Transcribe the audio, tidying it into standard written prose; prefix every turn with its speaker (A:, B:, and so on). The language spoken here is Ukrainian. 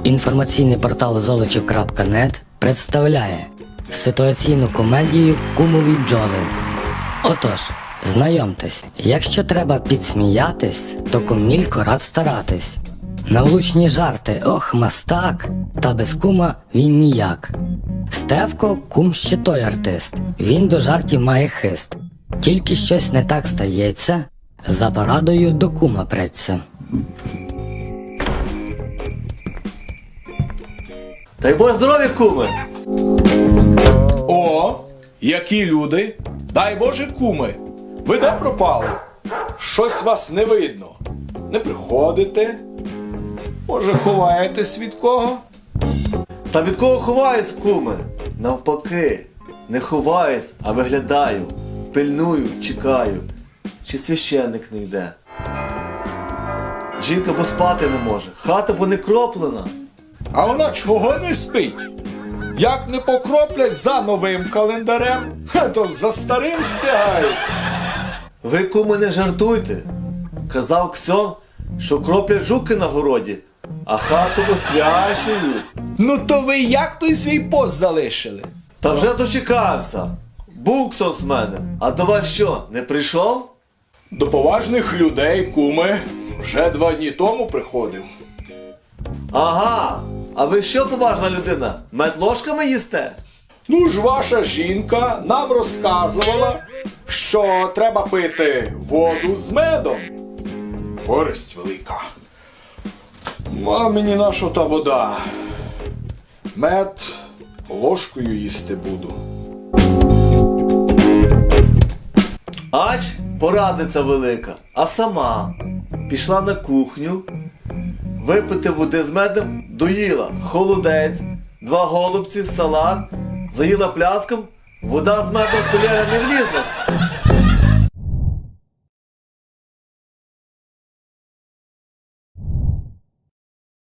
A: Інформаційний портал Золочів.нет представляє ситуаційну комедію «Кумові бджоли». Отож, знайомтесь, якщо треба підсміятись, то кумілько рад старатись. На влучні жарти, ох, мастак, та без кума він ніяк. Стевко – кум ще той артист, він до жартів має хист. Тільки щось не так стається, за порадою до кума преться.
B: Дай Боже здоров'я, куме!
C: О, які люди! Дай Боже, куми! Ви де пропали? Щось вас не видно. Не приходите? Може, ховаєтесь від кого?
B: Та від кого ховаюсь, куме? Навпаки, не ховаюсь, а виглядаю, пильную, чекаю, чи священник не йде. Жінка бо спати не може, хата бо не кроплена.
C: А вона чого не спить? Як не покроплять за новим календарем, то за старим встигають.
B: Ви, куме, не жартуйте. Казав Ксьон, що кроплять жуки на городі, а хату освячують.
C: Ну то ви як той свій пост залишили?
B: Та вже дочекався. Був Ксьон з мене, а до вас що, не прийшов?
C: До поважних людей, куми, вже 2 дні тому приходив.
B: Ага, а ви що, поважна людина, мед ложками їсте?
C: Ну ж ваша жінка нам розказувала, що треба пити воду з медом. Користь велика. А мені нащо та вода? Мед ложкою їсти буду.
B: Ач, порадниця велика, а сама пішла на кухню, випити води з медом, доїла холодець, 2 голубці, салат, заїла пляском, вода з медом холєра не влізлась.